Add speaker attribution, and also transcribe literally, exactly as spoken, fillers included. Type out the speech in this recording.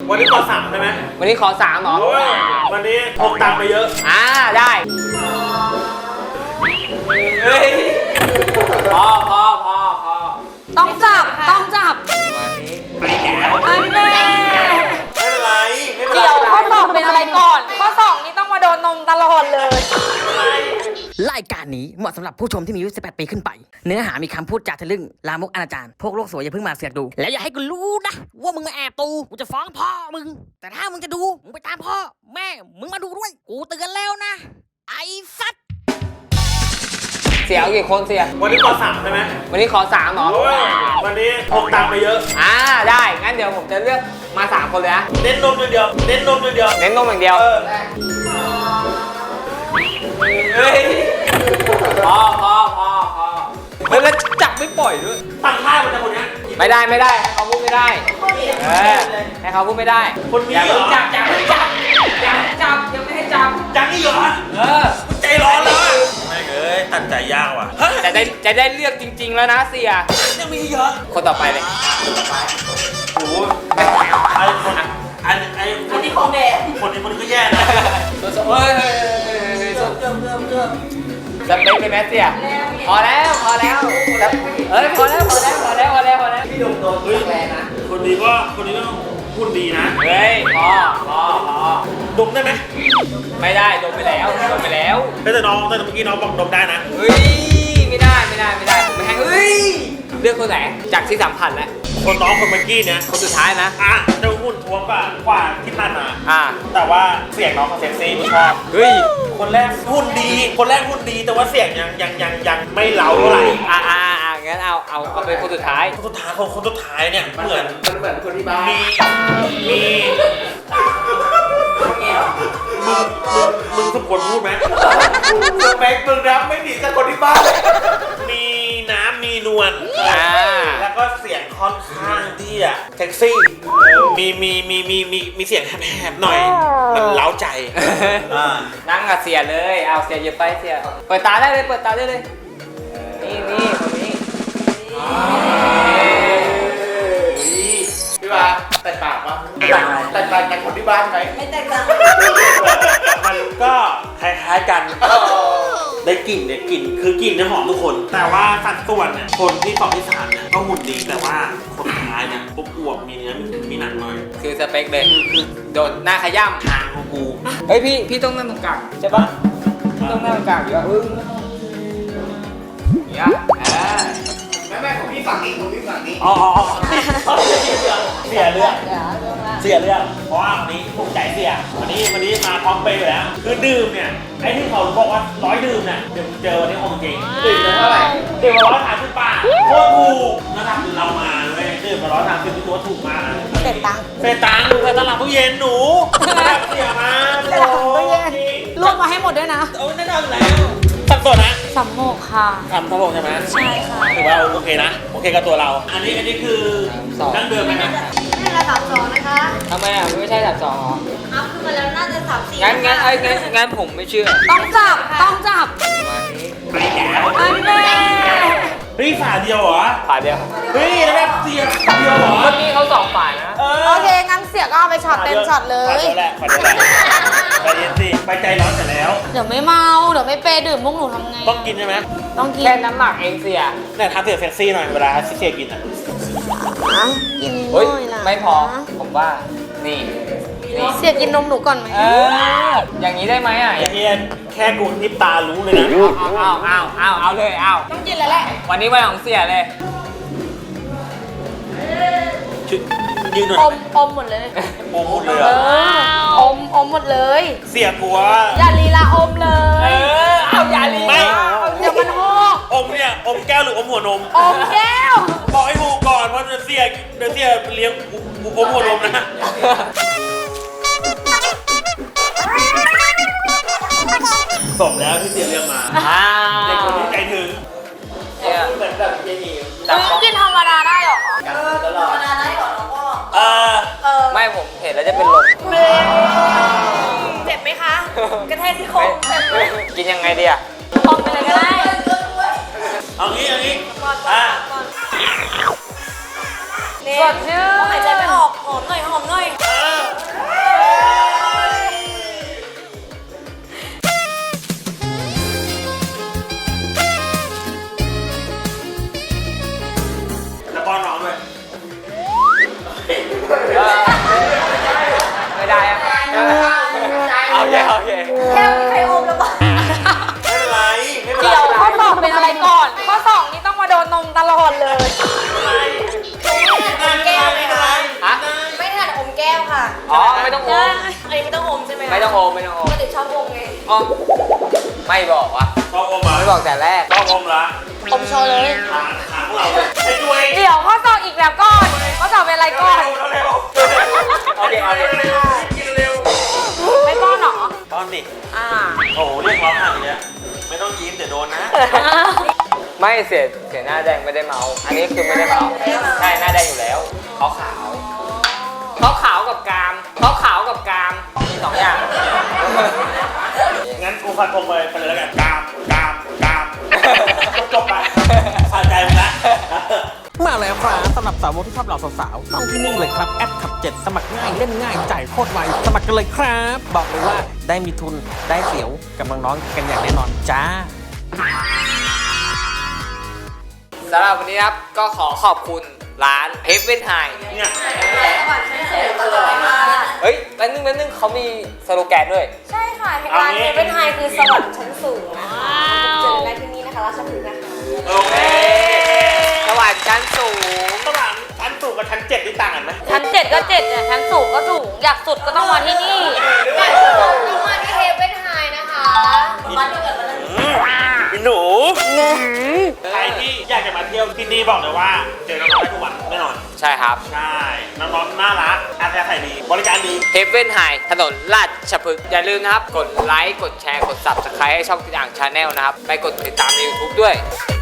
Speaker 1: วันนี้ขอสามใช่ไหม
Speaker 2: วันนี้ขอสามเหรอ
Speaker 1: วันนี้พกตังค์ไปเยอะ
Speaker 2: อ่าได้เฮ้ยพอพอพอพอ
Speaker 3: ต้องจับต้องจับ
Speaker 1: ไปแก่
Speaker 3: อันแม่
Speaker 1: ไม่เป็นไรไม่เป็นไร
Speaker 3: เดี๋ยวข้อสอบเป็นอะไรก่อนข้อสอบนี้ต้องมาโดนนมตลอดเลย
Speaker 4: รายการนี้เหมาะสำหรับผู้ชมที่มีอายุสิบแปดปีขึ้นไปเนื้อหามีคำพูดจาทะลึ่งลามกอนาจารพวกโลกสวยอย่าเพิ่งมาเสือกดูแล้วอย่าให้กูรู้นะว่ามึงมาแอบดูกูจะฟ้องพ่อมึงแต่ถ้ามึงจะดูมึงไปตามพ่อแม่มึงมาดูด้วยกูเตือนแล้วนะไอ้สัตว์
Speaker 2: เสียเอากี่คนเสีย
Speaker 1: วันนี้ขอสามใช่ไหม
Speaker 2: วันนี้ขอสามเหรอ
Speaker 1: วันนี้พกตังค์ไปเยอะ
Speaker 2: อ่าได้งั้นเดี๋ยวผมจะเลือกมาสามคนเลยนะ
Speaker 1: เน้นนมอย่างเดียวเน้นนมอย่างเดียว
Speaker 2: เน้นนมอย่างเดียวเฮ้ยพอพอพอพอเฮ้ยแล้วจับไม่ปล่อยด้วย
Speaker 1: ตั้งท่ามันจะคนนี้
Speaker 2: ไม่ได้ไม่ได้ให้เขาพูดไม่ได้เออให้เขาพูดไม่ได้
Speaker 1: คนนี้เหรอ
Speaker 2: จับจับจับจับจับยังไม่ให้จับ
Speaker 1: จับนี่เหรอ
Speaker 2: เออ
Speaker 1: ใจร้อนเลยไม่เอ้ยตัดใจยากว่ะ
Speaker 2: จะได้จะได้เลือกจริงๆแล้วนะเสีย
Speaker 1: ยังมีเยอะ
Speaker 2: คนต่อไปเลย
Speaker 1: โอ้ไอ้คนอันไอ้คนที่ของแม่คนนี้คนนี้ก็แย่นะ
Speaker 2: เฮ้ยเริ่มเริ่มเริ่มสเปคเลยแมสเซียพอแล้วพอแล้วเอ้ยพอแล้วพอแล้วพอแล้วพอแล้วพอแล้ว
Speaker 1: พี่ดมโดนเฮ้ยคนนี้ก็คนนี้ก็พูดดีนะ
Speaker 2: เฮ้ยพอพอพอ
Speaker 1: ดมได้ไหม
Speaker 2: ไม่ได้ดมไปแล้วดมไปแล้ว
Speaker 1: แต่น้องแต่เมื่อกี้น้องบอกดมได้นะ
Speaker 2: เฮ้ยไม่ได้ไม่ได้ไม่ได้ไม่ให้เฮ้ยเลือกคนไหนจากที่สัมผัสแล้ว
Speaker 1: คนน้องคนเมื่อกี้เนี่ย
Speaker 2: คนสุดท้ายนะ
Speaker 1: อ่ะเจ้าหุ่นท้วมกว่ากว่าที่ผ่านมา
Speaker 2: อ่า
Speaker 1: แต่ว่าเสียงน้องเขาเซ็กซี่ไม่ชอบ
Speaker 2: เฮ้ย
Speaker 1: คนแรกหุ่นดีคนแรกหุ่นดีแต่ว่าเสียงยังยังยังยังไม่เล้าเท่าไหร่
Speaker 2: อ่าอ่าอ่างั้นเอาเอาเอาเป็นคนสุดท้าย
Speaker 1: คนสุดท้ายคนคนสุดท้ายเนี่ยเหมือน
Speaker 2: มันเหมือนคนที่บ้าน
Speaker 1: มีมีมึงมึงมึงสมควรพูดไหมสเปคมึงนะไม่หนีจากคนที่บ้านมีน้ำมีนวลแล้วก็เสียงค่อนข้างที่อะเซ็กซี่มีมีมีมีมีมีเสียงแหบๆหน่อยมันเล้าใจ
Speaker 2: นั่งกับเสียเลยเอาเสียอย่าไปเสียเปิดตาได้เลยเปิดตาได้เลยนี่นี่คนนี้
Speaker 1: พี่ว่าแตกต่างปะแตกต่างแตกต่างจากคนที่บ้านไหม
Speaker 3: ไม่แตกต่าง
Speaker 1: มันก็คล้ายๆกันได้กลิ่นเนี่ยกลิ่นคือกลิ่นเนี่ยหอมทุกคนแต่ว่าสัดส่วนเนี่ยคนที่สองที่สามเนี่ยก็หุ่นดีแต่ว่าคนท้ายเนี่ยปุ๊บอวบมีเนื้อมีหนังหน่อย
Speaker 2: คือสเปคเลยคือโดนหน้าขย้ำ
Speaker 1: ทางของกู
Speaker 2: เฮ้ยพี่พี่ต้องนั่งตรงกลางใช่ปะต้องนั่งตรงกลางอยู่อ่ะเออเนี่ย
Speaker 1: แม่แม่ของพี่ฝั่งนี้ของพี่ฝั่งนี้อ๋อเสียเรื่องเสียเรื่องเพราะว่าวันนี้ภูมิใจเสียวันนี้วันนี้มาพร้อมไปอยู่แล้วคือดื่มเนี่ยไอ้ที่เขาบอกว่าร้อยดื่มเนี่ยเดี๋ยวเจอวันนี้คงจริงดื่มเท่าไหร่ดื่มมาร้อยสามสิบบาทโคตรถูกนะครับเรามาเลยดื่มมาร้อยสามสิบตัวถูกมาก
Speaker 3: เสร็จตังค์
Speaker 1: เสร็จตังค์เสร็จตลาดตู้เย็นหนูเสียมา
Speaker 3: ตลาดตู้เย็นรวมมาให้หมดด้วยนะ
Speaker 1: โอ้แน่นอนแล้วสับสนนะ
Speaker 3: สัมโมกค่ะ
Speaker 1: ทำสัมโมกใช่ไหม
Speaker 3: ใช่ค่ะ
Speaker 1: ถือว่าโอเคนะโอเคกับตัวเราอันนี้อันนี้คือนั่งเดิมไหมครับ
Speaker 3: นี่ระดับสองนะคะ
Speaker 2: ทำไมอ่ะไม่ใช่ระดับสองหรอ
Speaker 3: อัพขึ้นมาแล้วน่าจะสามสี่
Speaker 2: งั้นงั้นไอ้งั้นงั้นผมไม่เชื่อ
Speaker 3: ต้องจับต้องจับ
Speaker 1: ไปแก่
Speaker 3: อันแม่
Speaker 1: เฮ้ยฝาเดียวเหรอ
Speaker 2: ฝาเดียว
Speaker 1: เฮ้ยแล้วแบบเสียฝาเดียวเหรอ
Speaker 2: เมื่อกี้เขาสองฝานะ
Speaker 3: โอเคงั้นเสียก็เอาไปช็อตเต็มช็อตเลย
Speaker 1: ฝาเดียวแหละฝาเดียวแหละใจเย็นสิไปใจร้อนเสร็จแล้ว
Speaker 3: เดี๋ยวไม่เมาเดี๋ยวไม่เปย์ดื่มพวกหนูทำไง
Speaker 1: ต้องกินใช่ไหม
Speaker 3: ต้องกิน
Speaker 2: แค่น้ำหมักเองเสีย
Speaker 1: เนี่ยทำเสียเซ็กซี่หน่อยเวลาเสียกินอ่ะ
Speaker 3: กิน
Speaker 2: น้อยนะไม่พอผมว่านี่
Speaker 3: เสียกินนมหนูก่อนไหม
Speaker 2: เอออย่างนี้ได้ไหมอ่ะ
Speaker 1: อย่างนี้แค่กูนิบตารู้เลยนะ
Speaker 2: เอาเอาเอาเอาเลยเอา
Speaker 3: ต้องกินแล้วแหละ
Speaker 2: วันนี้วันของเสียเลย
Speaker 1: ยืนหน่อย
Speaker 3: อมอมหมดเลย
Speaker 1: อมหมดเลย
Speaker 3: อมอมหมดเลย
Speaker 1: เสียกลัว
Speaker 3: อย่าลีลาอมเลย
Speaker 2: เออเอาอย่าลี
Speaker 1: ไม่
Speaker 3: เดี๋ยวมันหก
Speaker 1: อมเนี่ยอมแก้วหรืออมหัวนม
Speaker 3: อมแก้ว
Speaker 1: บอกให้ถูกก่อนเพราะเดี๋ยวเสียเดี๋ยวเสียเลี้ยงอมหัวนมนะสมแล้วที่เสียเรียกมาเด็กคนนี้ใจถึงเหมือนแบบเจนี่
Speaker 3: กินธรรมดาได้หรอ
Speaker 1: ธรรมดาได้หรอน้องพ่อเอ
Speaker 2: อไม่ผมเห็นแล้วจะเป็นลม
Speaker 3: เจ็บไหมคะกระแทกที่โค้ง
Speaker 2: กินยังไงดีอ่ะ
Speaker 3: อมไปเลยก็ได้
Speaker 1: เอางี้เอางี้อ่ะ
Speaker 3: สดชื่นหายใจไม่ออกหอมหน่อยหอมหน่อยค่ะ
Speaker 2: อ๋อไม่ต้องอม
Speaker 3: อันนี้ไม่ต้องอมใช่ไหม
Speaker 2: ไม่ต้องอมไม่ต้องอ
Speaker 3: ป
Speaker 2: ม
Speaker 3: กติชอบอมไง
Speaker 2: อ๋อไม่บอกวะ
Speaker 1: ชอบอมเหร
Speaker 2: ไม่บ
Speaker 1: อ่ะ
Speaker 2: อกแต่แรก
Speaker 1: ชอบอมเหรอ
Speaker 3: อมโชว์เลย
Speaker 1: หาหาพวกเราเลยไอ้ด้วย
Speaker 3: เดี๋ยวข้อสอบอีกแล้วก่อนข้อสอบเป็นอะไรก่อน
Speaker 1: เร็วเร็ว
Speaker 2: โอเคเอาเลย
Speaker 1: เร็วกินเร็ว
Speaker 3: ไม่ก้อนเหรอ
Speaker 1: ตอนดิ
Speaker 3: อ่า
Speaker 1: โอ้โหเรียกร้องขนาดนี้ไม่ต้องยิ้มเดี๋ยวโดนนะ
Speaker 2: ไม่เสียเสียหน้าแดงไม่ได้เมา อันนี้คือไม่ได้เมาใช่หน้าแดงอยู่แล้วขาวขาวขาวขาวกับกามขาวขาวกับกามมีสองอย่าง
Speaker 1: งั้นกูฟันธงไปไปเลยแล้วกันกามกามกามจบไปสะใจมึงละ
Speaker 4: มาแล้วครับสำหรับสาวกที่ชอบเหล่าสาวๆต้องที่นี่เลยครับแอดขับเจ็ดสมัครง่ายเล่นง่ายจ่ายโคตรไวสมัครกันเลยครับ บอกเลยว่าได้มีทุนได้เสียวกับน้องๆกันอย่างแน่นอนจ้า
Speaker 2: สำหรับวันนี้ครับก็ขอขอบคุณร้าน Heaven High
Speaker 1: เนี่ย
Speaker 2: เฮ้ยแป๊บนึงแป๊บนึงเขามีสโลแกนด้วย
Speaker 3: ใช่ค่ะร้านเฮเว่นไฮคือสวรรค์ชั้นสูงนะคะเจอได้ที่นี่นะคะราชพฤกษ์นะคะ
Speaker 1: โอเค
Speaker 2: สวรรค์ชั้นสูง
Speaker 1: ระหว่างชั้นสูงกับชั้นเจ็ดนี่ต่างกันไหม
Speaker 3: ชั้นเจ็ดก็เจ็ดเนี่ยชั้นสูงก็สูงอยากสุดก็ต้องมาที่นี่อยากสุดต้องมาที่เฮเว่นไฮนะคะมาที่เกิดมาแล้ว
Speaker 1: พี่หนูใครที่อยากจะมาเที่ยวที่นี่บอกเลยว่าเจอน้องๆได้ทุกวันแน่นอน
Speaker 2: ใช่ครับ
Speaker 1: ใช่ น้องๆน่ารักอาศัยใส่ดี บริการดี
Speaker 2: Heaven High ถนนราชพฤกษ์อย่าลืมนะครับ กดไลค์ กดแชร์ กด Subscribe ให้ช่องติดอ่างชาแนลนะครับ ไปกดติดตามใน YouTube ด้วย